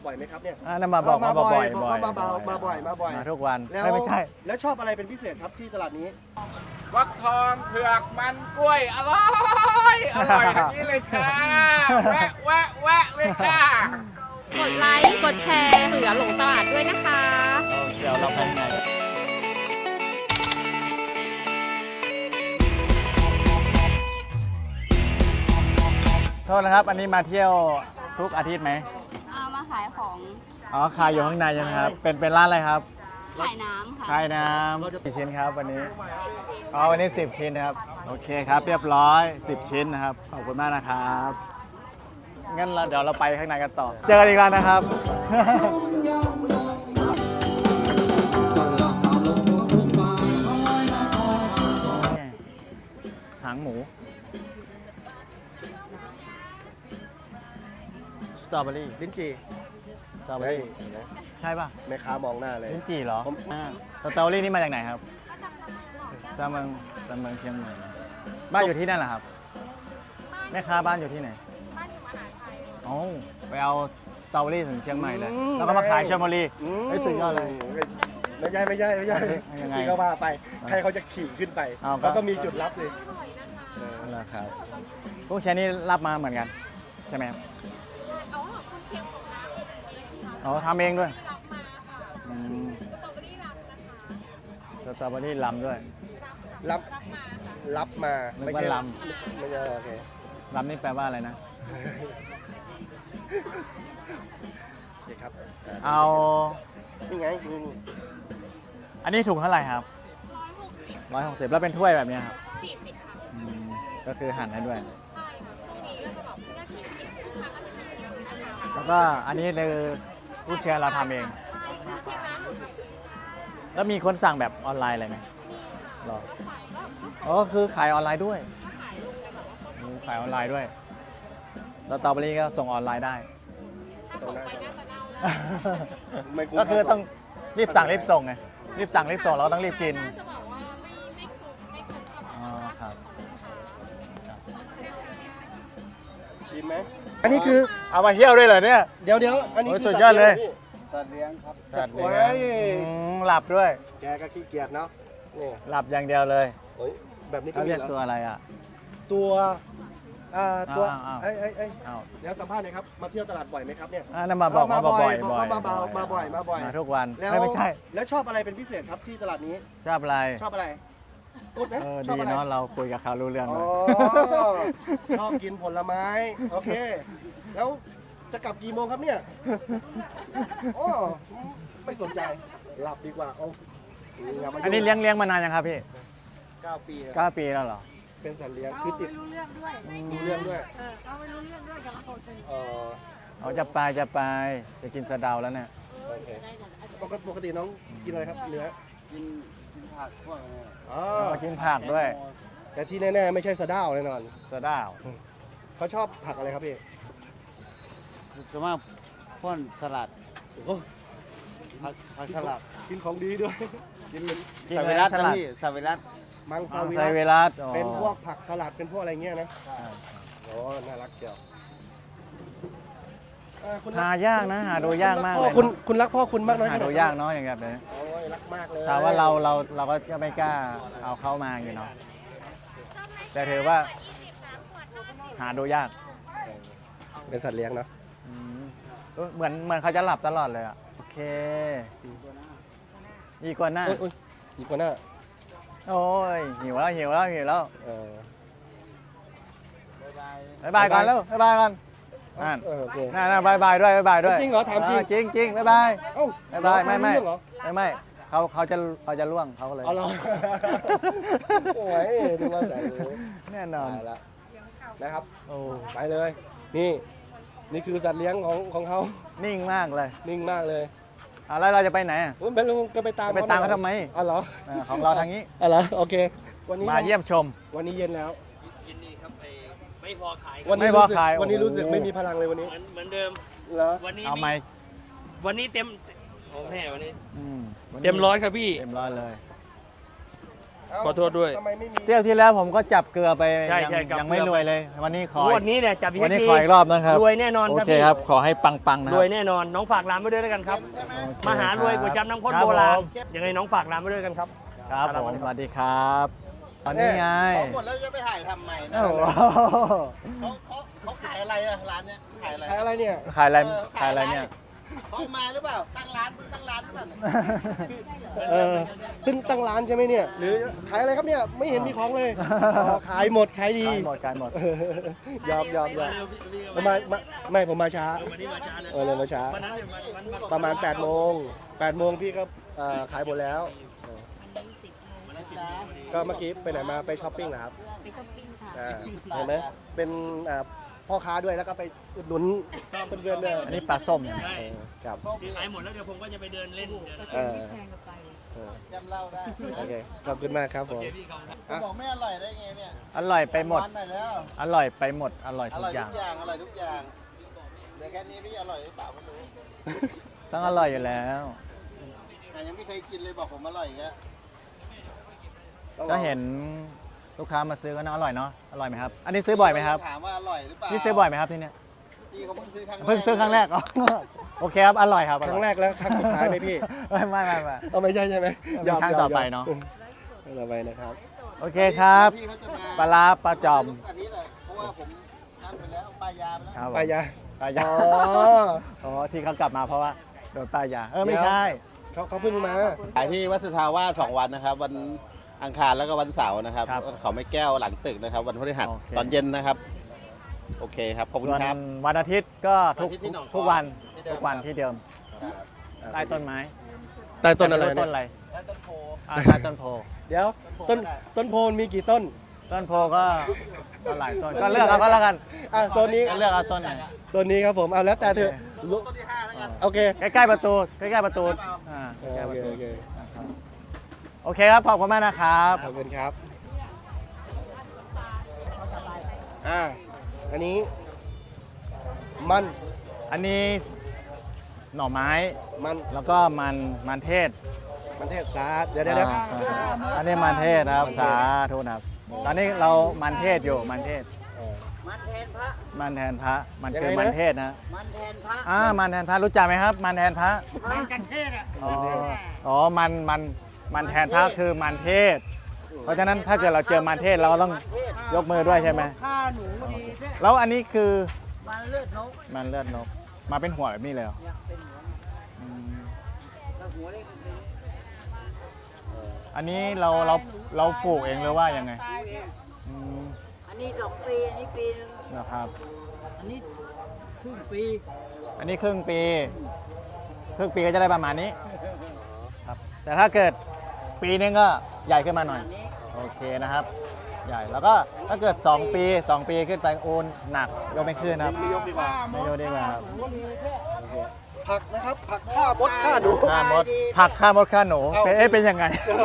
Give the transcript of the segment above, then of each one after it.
บ่อยไหมครับเนี่ยนั่นมาบอกมาบ่อยมาบ่อยมาทุกวันแล้วไม่ใช่แล้วชอบอะไรเป็นพิเศษครับที่ตลาดนี้ฟักทองเผือกมันกล้วยอร่อยอย่างนี้เลยค่ะแวะเลยค่ะกดไลค์กดแชร์เสือหลงตลาดด้วยนะคะเดี๋ยวเราไปไหนโทษนะครับอันนี้มาเที่ยวทุกอาทิตย์ไหมมาขายของอ๋อขายอยู่ข้างในใช่ไหมครับเป็นร้านอะไรครับขายน้ำค่ะขายน้ำกี่ชิ้นครับวันนี้อ๋อวันนี้10 ชิ้นนะครับโอเคครับเรียบร้อย10 ชิ้นนะครับขอบคุณมากนะครับงั้นเดี๋ยวเราไปข้างในกันต่อเจอกันอีกแล้วนะครับหางหมูสตรอเบอรี่ลิ้นจี่สตรอเบอรี่ใช่ป่ะแม่ค้ามองหน้าเลยลิ้นจี่เหรอสตรอเบอรี่นี่มาจากไหนครับซาเมืองเชียงใหม่บ้านอยู่ที่นั่นเหรอครับแม่ค้าบ้านอยู่ที่ไหนบ้านอยู่มหาชัยโอ้ไปเอาสตรอเบอรี่ถึงเชียงใหม่เลยแล้วก็มาขายชลบุรีไม่สุดยอดเลยไม่ใช่ยังไงก็ว่าไปใครเขาจะขี่ขึ้นไปแล้วก็มีจุดรับเลยนั่นแหละครับกุ้งแช่นี่รับมาเหมือนกันใช่ไหมครับคุณเชียงของน้ำอ๋อทำเองด้วยรับมาค่ะสตรอเบอรี่รับนะคะสตรอเบอรี่ลำด้วยรับมาไม่ใช่ลำไม่ใช่โอเคลำนี่แปลว่าอะไรนะโอเคครับเอานี่ไงนี่อันนี้ถุงเท่าไหร่ครับ160แล้วเป็นถ้วยแบบนี้ครับ 40ค่ะก็คือหั่นให้ด้วยใช่ตรงนี้เราจะบอกเพื่อที่ลูกค้าก็จะทานนะคะแล้วก็อันนี้คือผู้เชียร์เราทำเองเชียงร้านหนูทำเองแล้วมีคนสั่งแบบออนไลน์อะไรไหมหรออ๋อคือขายออนไลน์ด้วยขายออนไลน์ด้วยสตรอเบอรี่ก็ส่งออนไลน์ได้ก็คือต้องรีบสั่งรีบส่งไงรีบสั่งรีบส่งเราต้องรีบกินจะบอกว่าไม่ครบอ๋อครับชิมไหมอันนี้คือเอามาเที่ยวด้วยเหรอเนี่ยเดี๋ยวอันนี้สุดยอดเลยสัตว์เลี้ยงครับสัตว์เลี้ยงหลับด้วยแกก็ขี้เกียจเนาะนี่หลับอย่างเดียวเลยแบบนี้เขาเรียกตัวอะไรอ่ะตัวเดี๋ยวสัมภาษณ์หน่อยครับมาเที่ยวตลาดบ่อยไหมครับเนี่ยนั่นมาบอกมาบ่อยมาทุกวันไม่ใช่แล้วชอบอะไรเป็นพิเศษครับที่ตลาดนี้ชอบอะไรพูดนะดีเนาะเราคุยกับเขารู้เรื่องเลยชอบกินผลไม้โอเคแล้วจะกลับกี่โมงครับเนี่ยโอ้ไม่สนใจหลับดีกว่าอันนี้เลี้ยงมานานยังครับพี่ 9 ปี 9 ปีแล้วเหรอเป็นสัตว์เลี้ยงคือติดรู้เรื่องด้วยรู้เรื่องด้วยเอาไม่รู้เรื่องด้วยกับเราจะไปจะกินสะเดาแล้วเนี่ยโอเคปกติน้องกินอะไรครับเนื้อกินผักพวกนี้กินผักด้วยแต่ที่แน่ๆไม่ใช่สะเดาแน่นอนสะเดาเขาชอบผักอะไรครับพี่ส่วนมากพ่นสลัดผักสลัดกินของดีด้วยกินซาเวรัสนะพี่ซาเวรัสมังซาเวรัสเป็นพวกผักสลัดเป็นพวกอะไรเงี้ยนะโอ้น่ารักเชียวหายากนะหาดูยากมากเลยคุณรักพ่อคุณมากน้อยหาดูยากเนาะอย่างแบบนี้โอ้ยรักมากเลยแต่ว่าเราก็ไม่กล้าเอาเข้ามาอยู่เนาะแต่ถือว่าหาดูยากเป็นสัตว์เลี้ยงเนาะเหมือนเขาจะหลับตลอดเลยอ่ะโอเคอีกัวน่าโอ้ยหิวแล้วบ๊ายบายก่อนแล้วบ๊ายบายก่อนน่าบ๊ายบายด้วยจริงเหรอถามจริงบ๊ายบายไม่เขาจะล่วงเขาเลยเอาเหรอโอ้ยดูว่าใส่แน่นอนแล้วนะครับไปเลยนี่คือสัตว์เลี้ยงของเขานิ่งมากเลยแล้วเราจะไปไหนเป็นลุงก็ไปตามเขาทำไมอ๋อเหรอของเราทางนี้อ๋อเหรอโอเควันนี้มาเยี่ยมชมวันนี้เย็นแล้วยินดีครับไม่พอขายวันนี้รู้สึกไม่มีพลังเลยวันนี้เหมือนเดิมเหรอวันนี้เอาไหมวันนี้เต็มโอ้แม่วันนี้เต็ม100ครับพี่เต็ม100เลยเอ้าขอโทษด้วยทำไมไม่มีเที่ยวที่แล้วผมก็จับเกลือไปใช่ยังใช่จับยังไม่เกลือรวยเลย วันนี้ของวดนี้เนี่ยจับวันนี้ทีขออีกรอบนะครับรวยแน่นอนโอครับเคพี่ครับ ขอให้ปังๆนะครรับวยแน่นอนน้องฝากร้านไว้ด้วยแล้วกันครับโอเคมหารวยก๋วยจั๊บน้ำข้นโบราณยังไงน้องฝากร้านไว้ด้วยกันครับครับผมสวัสดีครับตอนนี้ไงหมดแล้วจะไปถ่ายทำใหม่นะโอ้โหเขาขายอะไรอะร้านเนี้ยขายอะไรขายอะไรเนี่ยขายอะไรขายอะไรเนี่ยเขาเอามาหรือเปล่า ตั้งร้านหรือเปล่าเนี่ยเพิ่งตั้งร้านใช่ไหมเนี่ย หรือขายอะไรครับเนี่ย ไม่เห็นมีของเลยอ๋อขายหมดขายดีขายหมดยอมผมไม่ผมมาช้าเลยมาช้า ประมาณ8 โมงพี่ก็ขายหมดแล้ว ก็เมื่อกี้ไปไหนมาไปช้อปปิ้งเหรอครับไปช้อปปิ้งค่ะเห็นไหมเป็นพ่อค้าด้วยแล้วก็ไปอุดหนุนเพื่อนๆด้วยอันนี้ปลาส้มเนี่ยครับขายหมดแล้วเดี๋ยวผมก็จะไปเดินเล่นเออแพงกับไปแกมเหล้าได้โอเคขอบคุณมากครับผมเขาบอกไม่อร่อยได้ไงเนี่ยอร่อยไปหมดวันหน่อยแล้วอร่อยไปหมด อร่อยอทุร่กอยอย่างทุกอย่าง อร่อยทุกอย่างเดี๋ยวแค่นี้พี่อร่อยหรือเปล่าไม่รู้ต้องอร่อยอยู่แล้วแต่ยังไม่เคยกินเลยบอกผมอร่อยอีกแล้วก็เห็นลูกค้ามาซื้อก็น่าอร่อยเนาะ อร่อยไหมครับ อันนี้ซื้อบ่อยไหมครับถามว่าอร่อยหรือเปล่านี่ซื้อบ่อยไหมครับที่เนี่ยพี่เขาเพิ่งซื้อครั้งแรกเพิ่งซื้อครั้งแรกอ๋อโอเคครับ อร่อยครับครั้งแรกแล้วครั้งสุดท้ายไหมพี่ไม่เอาไม่ใช่ใช่ไหมมีครั้งต่อไปเนอะต่อไปนะครับโอเคครับพี่เขาจะมาปลาร้าปลาจอมทุกอาทิตย์เลยเพราะว่าผมนั่นไปแล้วป้ายยาไปแล้วครับผมไปยาปลายาอ๋ออ๋อที่เขากลับมาเพราะว่าโดนปลายาไม่ใช่เขาเพิ่งมาขายที่วัดสุทธาวาส2 วันนะครับ วันอังคารแล้วก็วันเสาร์นะครับครับเขาไม่แก้วหลังตึกนะครับ วันพฤหัสโอเคตอนเย็นนะครับ โอเคครับ ขอบคุณส่วนครับวันอาทิตย์ก็ทุกวันอาทิตย์ที่หนองทุกวันที่เดิมทุกวันที่เดิมใต้ต้นไม้ใต้ต้นอะไรม่ต้นเนี่ยอะไรแล้วต้นโพใต้ต้นโพเดี๋ยวต้นโพนมีกี่ต้นต้นโพก็หลายต้นก็เลือกเอาก็แล้วกันโซนนี้ก็เลือกเอาต้นไหนโซนนี้ครับผมเอาแล้วแต่เถอะต้นที่5แล้วกันโอเคใกล้ๆประตูใกล้ๆประตูอ่าโอใกล้ๆประเคตูโอเคโอเคครับขอบคุณมากนะครับขอบคุณครับอันนี้มันอันนี้หน่อไม้มันแล้วก็มันเทศมันเทศสาเดี๋ยวอันนี้มันเทศนะครับสาธุนะครับตอนนี้เรามันเทศอยู่มันเทศมันแทนพระมันแทนพระมันคือมันเทศนะมันแทนพระมันแทนพระรู้จักไหมครับ มันแทนพระมันกันเทศอ่ะอ๋อมันแทนพระคือมันเทศ เพราะฉะนั้นถ้าเกิดเราเจอมันเทศเราก็ต้องยกมือด้วยใช่ไหมฆ่าหนูดีแค่แล้วอันนี้คือมันเลือดนกมันเลือดนกมาเป็นหัวแบบนี้เลยเหรอเนี่ยเป็นหัวอืมแล้วหัวเล็กเป็นอันนี้เราปลูกเองหรือว่ายังไงตายเองอืมอันนี้2 ปีอันนี้ปีนึงนะครับอันนี้ครึ่งปีอันนี้ครึ่งปีก็จะได้ประมาณนี้ครับแต่ถ้าเกิดปีนึงก็ใหญ่ขึ้นมาหน่อยอันนี้โอเคนะครับ ใหญ่แล้วก็ถ้าเกิด 2 ปีขึ้นไปโอนหนักยกไม่ขึ้นนะครับไม่ยกดีกว่าไม่ยกดีกว่าครับผักนะครับ ผักข้ามดข้าหนูค่ามดผักค่ามดค่าหนูเอ้าเป็นยังไง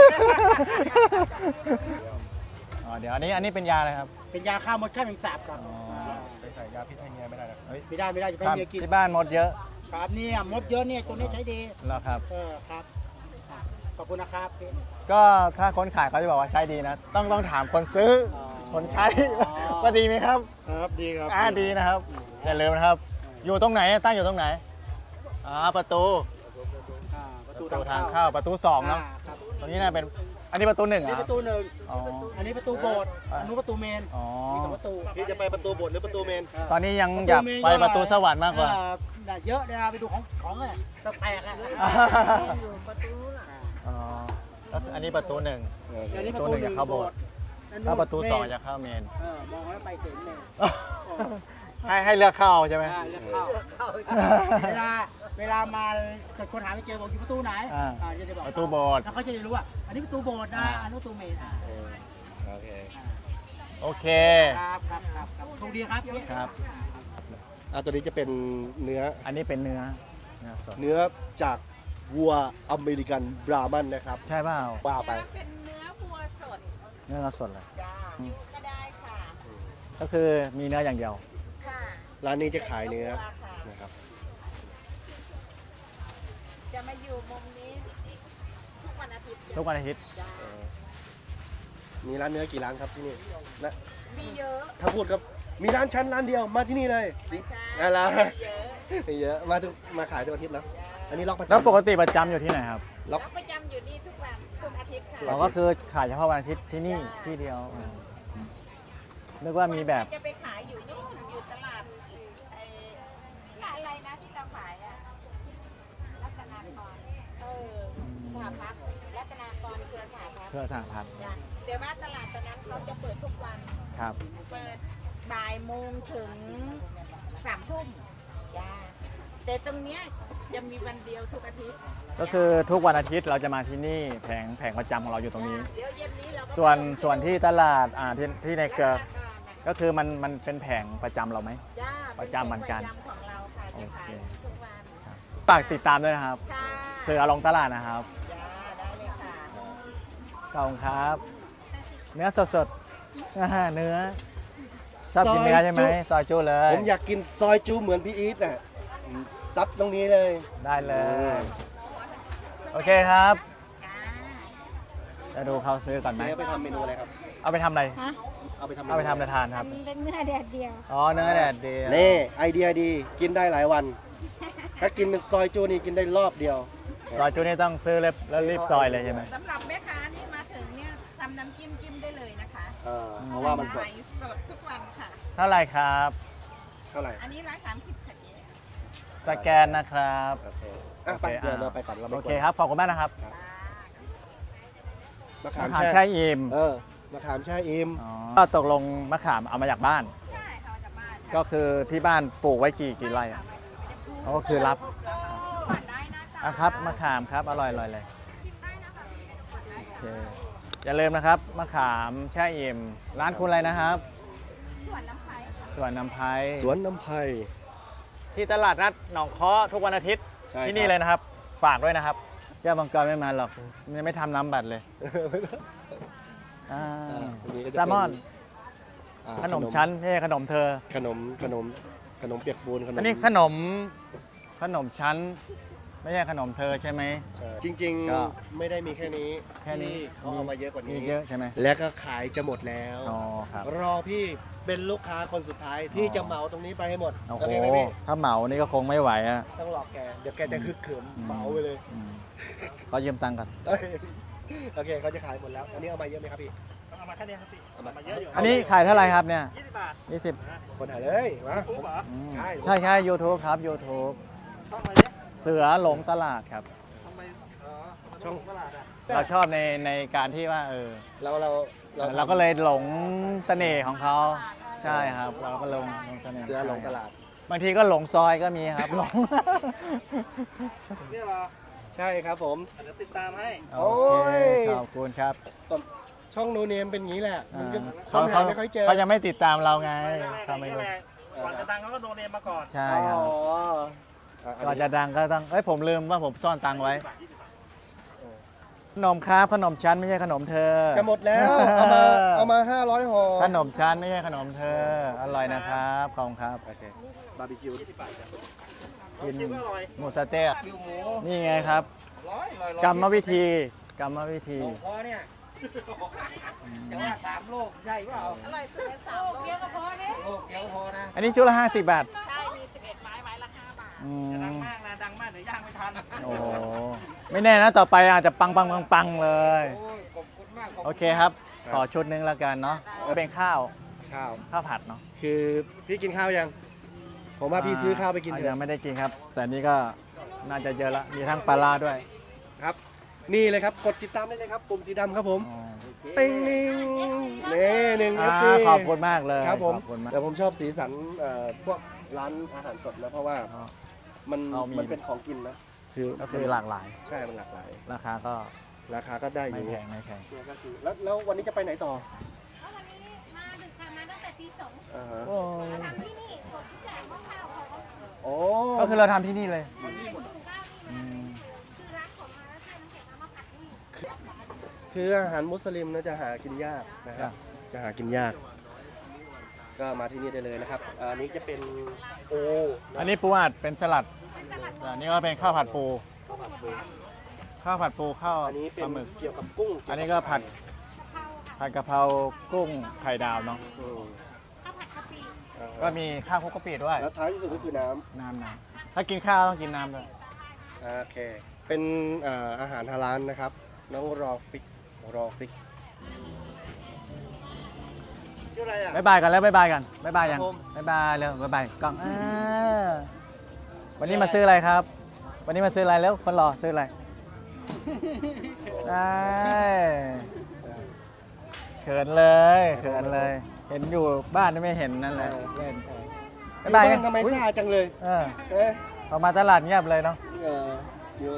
อ๋อเดี๋ยวอันนี้เป็นยาอะไรครับเป็นยาฆ่ามดฆ่าแมงสาบครับอ๋อไปใส่ยาพิษให้เมียไม่ได้นะไม่ได้จะคให้รับเมียกินที่บ้านมดเยอะครับเนี่ยมดเยอะเนี่ยตัวนี้ใช้ดีแล้วครับครับขอบคุณนะครับพี่ก็ถ้าคนขายเขาจะบอกว่าใช้ดีนะ ต้องถามคนซื้อออคนใช้อ๋อว่าดีไหมครับครับดีครับดีนะครับอย่าลืมนะครับ อยู่ตรงไหนตั้งอยู่ตรงไหนประตูประตูทางเข้าประตู2เนาะครับตรงนี้น่าเป็นอันนี้ประตู1 อันเหรนี้อประตูหนึ่งอ๋ออันนี้ประตูโบสถ์อันนู้นประตูเมนอ๋อมี2 ประตูพี่จะไปประตูโบสถ์หรือประตูเมนตอนนี้ยังอยากไปประตูสวรรค์มากกว่าเยอะเดี๋ยวเราไปดูของอ่ะแปลกๆอ่ะอยู่ประตูน่ะอ๋อแล้วอันนี้ประตู1 อันนี้ประตูหนึ่งจะเข้าโบสถ์ ถ้าประตู2จะเข้าเมนมองแล้วไปถึงเมนให้เลือกเข้าใช่ไหมเลือกเข้าเวลามาเกิดคนหาไม่เจอบอกอยู่ประตูไหนจะได้บอกประตูโบสถ์แล้วเขาจะได้รู้ว่าอันนี้ประตูโบสถ์นะอันนู้นประตูเมนโอเคโอเคครับโชคดีครับครับตัวนี้จะเป็นเนื้ออันนี้เป็นเนื้อสดเนื้อจากวัวอเมริกันบรามันนะครับใช่เปล่าว่าไปเป็นเนื้อวัวสดเนื้อสดเลยจ้าก็ได้ค่ะก็คือมีเนื้ออย่างเดียวค่ะร้านนี้จะขายเนื้อค่ะนะครับจะมาอยู่มุมนี้ทุกวันอาทิตย์ทุกวันอาทิตย์จ้ามีร้านเนื้อกี่ร้านครับที่นี่และมีเยอะถ้าพูดครับมีร้านชั้นร้านเดียวมาที่นี่เลยไม่ใช่อะไรเยอะมีเยอะมาขายทุกอาทิตย์แล้วอันนี้ล็อกประจำแล้วปกติประจำอยู่ที่ไหนครับรับประจำอยู่นี่ทุกวันทุกอาทิตย์ค่ะเราก็คือขายเฉพาะวันอาทิตย์ที่นี่ที่เดียวนึกว่ามีแบบจะไปขายอยู่นู่นอยู่ตลาดไอ้ร้านอะไรนะที่เราขายอะรัตนากรสหพัฒน์รัตนากรเครือสหพัฒน์เครือสหพัฒน์จ้ะเดี๋ยวว่าตลาดตอนนั้นเขาจะเปิดทุกวันครับเปิดบ่ายโมงถึง3 ทุ่มจ้าแต่ตรงเนี้ยจะมีวันเดียวทุกอาทิตย์ก็คือทุกวันอาทิตย์เราจะมาที่นี่แผงประจำของเราอยู่ตรงนี้เดี๋ยวเย็นนี้เราก็ส่วนที่ตลาดที่ในเกลือรัตนากรน่ะก็คือมันเป็นแผงประจำเราไหมจ้าประจำเหมือนกันประจำของเราค่ะจะขายทุกวันฝากติดตามด้วยนะครับค่ะเสือลงตลาดนะครับจ้าได้เลยค่ะขอบคุณครับ เนื้อสดๆเนื้อชอบกินเนื้อใช่ไหมซอยจูเลยผมอยากกินซอยจูเหมือนพี่อีทน่ะซัดตรงนี้เลยได้เลย โอเคครับจ้าจะดูเขาซื้อก่อนไหมเจ๊ไปทำเมนูอะไรครับเอาไปทำอะไรเอาไปทำเอาไปทำอะไรทานครับเป็นเนื้อแดดเดียวอ๋อ เนื้อแดดเดียวนี่ไอเดียดีกินได้หลายวัน ถ้ากินเป็นซอยจูนี่กินได้รอบเดียวซอยจูนี่ต้องซื้อแล้วรีบซอยเลยใช่ไหมสำหรับแม่ค้านี่มาถึงเนี่ยทำน้ำจิ้มได้เลยนะคะเพราะว่ามันสดขายสดทุกวันค่ะเท่าไหร่ครับเท่าไหร่อันนี้130ค่ะเจ๊สแกนนะครับโอเคอ่ะไปเดี๋ยวเราไปก่อนเราไปโอก่เคครับ ขอบคุณมากนะครับมะขามมะขามแช่แช่อิ่มมะขามแช่อิ่มก็ตกลงมะขามเอามาจากบ้าน ก็คือที่บ้านปลูกไว้กี่ไร่อะก็คือรับอ่ะครับมะขามครับ อร่อยเลยโอเคอย่าลืมนะครับมะขามแช่อิ่มร้านคุณอะไรนะครับสวนน้ำไผ่สวนน้ำไผ่สวนน้ำไผ่ที่ตลาดนัดหนองค้อทุกวันอาทิตย์ใช่ที่นี่เลยนะครับ ฝากด้วยนะครับแก้วมังกรไม่มาหรอกยังไม่ทำน้ำบัตรเลยอ่าอันนี้ก็จะเป็นแซลมอน ขนมชั้นไม่ใช่ขนมเธอขนมเปียกปูนขนมอันนี้ขนมชั้น ไม่ใช่ขนมเธอใช่ไหมใช่จริงก็ๆไม่ได้มีแค่นี้แค่นี้เขาเอามาเยอะกว่ามีนี้เยอะใช่ไหมแล้วก็ขายจะหมดแล้วอ๋อครับรอพี่เป็นลูกค้าคนสุดท้ายที่จะเหมาตรงนี้ไปให้หมดโอ้โอโหเคไหมพี่ถ้าเหมานี่ก็คงไม่ไหวอ่ะต้องหลอกแกเดี๋ยวแกจะคึกเขิมเหมาไปเลยอืมขอยืมตังค์ก่อนโอเคเขาจะขายหมดแล้วอันนี้เอามาเยอะไหมครับพี่เอามาแค่นี้ครับพี่เอามาเยอะอยู่อันนี้ขายเท่าไหร่ครับเนี่ย 20 บาท 20 คนถ่ายเลยมาปุ๊บเหรออืมใช่ใช่ YouTube ครับ YouTube ต้องอะไรเนี่ยเสือหลงตลาดครับทำไมมันช่องตลาดอ่ะเราชอบในการที่ว่าเราก็เลยหลงเสน่ห์ของเขาใช่ครับ เราก็หลงเสน่ห์เสือหลงตลาดบางทีก็หลงซอยก็มีครับหลงเนี่ยเหรอใช่ครับผมเดี๋ยวติดตามให้โอเคขอบคุณครับช่องโนเนมเป็นอย่างนี้แหละมันก็เขาค้นหาไม่ค่อยเจอเขายังไม่ติดตามเราไงไม่เขาไม่รู้ก่อนจะดังเขาก็โดนเนมมาก่อนใช่อ๋ครับอก่อนจะดังก็ต้องผมลืมว่าผมซ่อนตังค์ไว้ ขนมครับขนมชั้นไม่ใช่ขนมเธอจะหมดแล้วเอามา500ห่อขนมชั้นไม่ใช่ขนมเธอ อร่อยนะครับขอบคุณครับโอเคบาร์บีคิวกินคิดว่าอร่อยหมูสะเต๊ะนี่ไงครับ กรรมวิธีพอเนี่ยจะว่า3 โลกใหญ่เปล่าอร่อยสุดใน3 โลกเดียวก็พอเนี่ยโลกเดียวพอนะอันนี้ชุดละ50 บาทใช่ มี 11 ไม้ ไม้ละ 5 บาทอืดังมมากนะดังมากเดี๋ยวย่างไม่ทันโอ้โหไม่แน่นะต่อไปอาจจะปังเลยโอ้ยขอบคุณมากโอเคครับ ขอชุดนึงแล้วกันเนาะเป็นข้าวข้าวผัดเนาะคือพี่กินข้าวยัง ผมว่าพี่ซื้อข้าวไปกินเถยัอะงไม่ได้กินครับ แต่นี่ก็น่าจะเยอะละ มีทั้งปลาร้าด้วยครับ นี่เลยครับ กดติดตามได้เลยครับ ปุ่มสีดำครับผมอ๋อติ้งนิ่งนี่หนึ่งอ่า FC ขอบคุณมากเลยครับผมขอบคุณมากแต่ผมชอบสีสันพวกร้านอาหารสดนะเพราะว่าอ๋อมันเอามีมันเป็นของกินนะก็คือหลากหลายใช่มันหลากหลายราคาก็ราคาก็ได้อไม่ยู่แพงไม่แพงเนี่ยก็คือแล้ววันนี้จะไปไหนต่อแล้ววันนี้มาดึกค่ะมาตั้งแต่ตี 2 อ่าฮะโอ้ทำที่นี่กดที่แจกหม้อข้าวเขาโอ้ก็คือเราทำที่นี่เลยเป็นถุงข้าวนี่อืนะมคือร้านของมาแล้วใช้น้ำแข็งเอามาผัดนี่คืออาหารมุสลิมนะจะหากินยากนะครับ จะหากินยาก ก็มาที่นี่ได้เลยนะครับอันนี้จะเป็นโออันนี้ปูอัดเป็นสลัดอันนี้ก็เป็นข้าวผัดปูข้าวผัดปูข้าวผัดปูข้าวอันนี้เป็ปนลาหมึกเกี่ยวกับกุ้งอันนี้ก็ผัดผัดกะเพรากุ้งไข่ดาวเนาะอืมข้าวผัดกะปิก็มีข้าวคลุกกะปิด้วยแล้วท้ายที่สุดก็คือน้น้ำถ้ากินข้าวต้องกินน้ำด้วยำโอเค เป็นอาหารฮาลาลนะครับ น้องรอฟิกชื่ออะไรอ่ะบ๊ายบายกันแล้วบ๊ายบายกันบ๊ายบายยังครับผมบ๊ายบายเร็วบ๊ายบายกล้องวันนี้มาซื้ออะไรครับ วันนี้มาซื้ออะไรแล้วคนรอซื้ออะไรได้เขินเลยเห็นอยู่บ้านไม่เห็นนั่นแหละเล่นบ๊ายบายกันทำไมซ่าจังเลยเออเอ๊ะออกมาตลาดเงียบเลยเนาะเดี๋ยว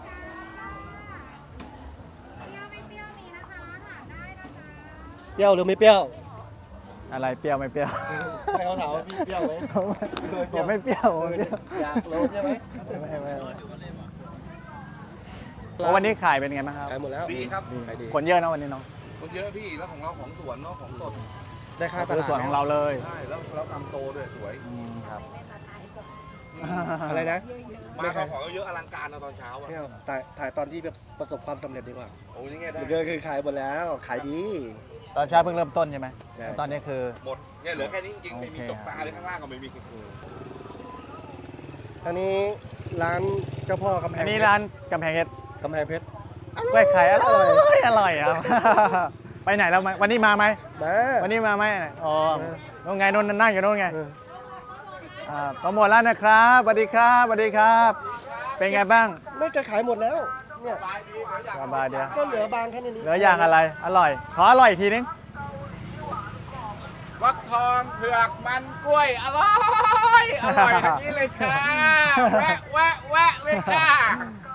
เปรี้ยวหรือไม่เปรี้ยวอะไรเปรี้ยวไม่เปรี้ยวให้เขาถามว่าพี่เปรี้ยวไหมผมไม่เปรี้ยวผมไม่เปรี้ยวอยากรู้ใช่ไหมไม่วันนี้ขายเป็นไงบ้างครับขายหมดแล้วดีครับขายดีคนเยอะนะวันนี้เนาะคนเยอะพี่แล้วของเราของสวนเนาะของสดได้ค่าตคือลาดส่วนของเราเลยใช่แล้วทำโตด้วยสวยครับอะไรนะมาข้าวของเยอะอลังการนะตอนเช้าอ่ะไม่เอาถ่ายตอนที่แบบประสบความสำเร็จดีกว่าโอ้ยยังไงได้เดี๋ยวคือขายหมดแล้ว ขายดีตอนเช้าเพิ่งเริ่มต้นใช่ไหมใช่แล้วตอนนี้คือหมดเนี่ยเหลือแค่นี้จริงๆไม่มีโอเคตกตาเลยข้างล่างก็ไม่มีอันนี้ร้านเจ้าพ่อกำแพงอันนี้ร้านกำแพงเพชรกำแพงเพชรกล้วยไข่อร่อยอร่อยครับ ไปไหนแล้วไหมวันนี้มาไหมมาวันนี้มาไหมอ๋อเออนู่นไงนู่นนั่งอยู่นู่นไงเออโปรโมทร้านนะครับสวัสดีครับสวัสดีครับ เป็นไงบ้างไม่จะขายหมดแล้ว เนี่ยสบายเดียวก็เหลือบางแค่นี้เหลืออย่างอะไรอร่อยขออร่อยอีกทีนึงฟักทองเผือกมันกล้วยอร่อยอย่างนี้เลยค่ะแวะเลยค่ะ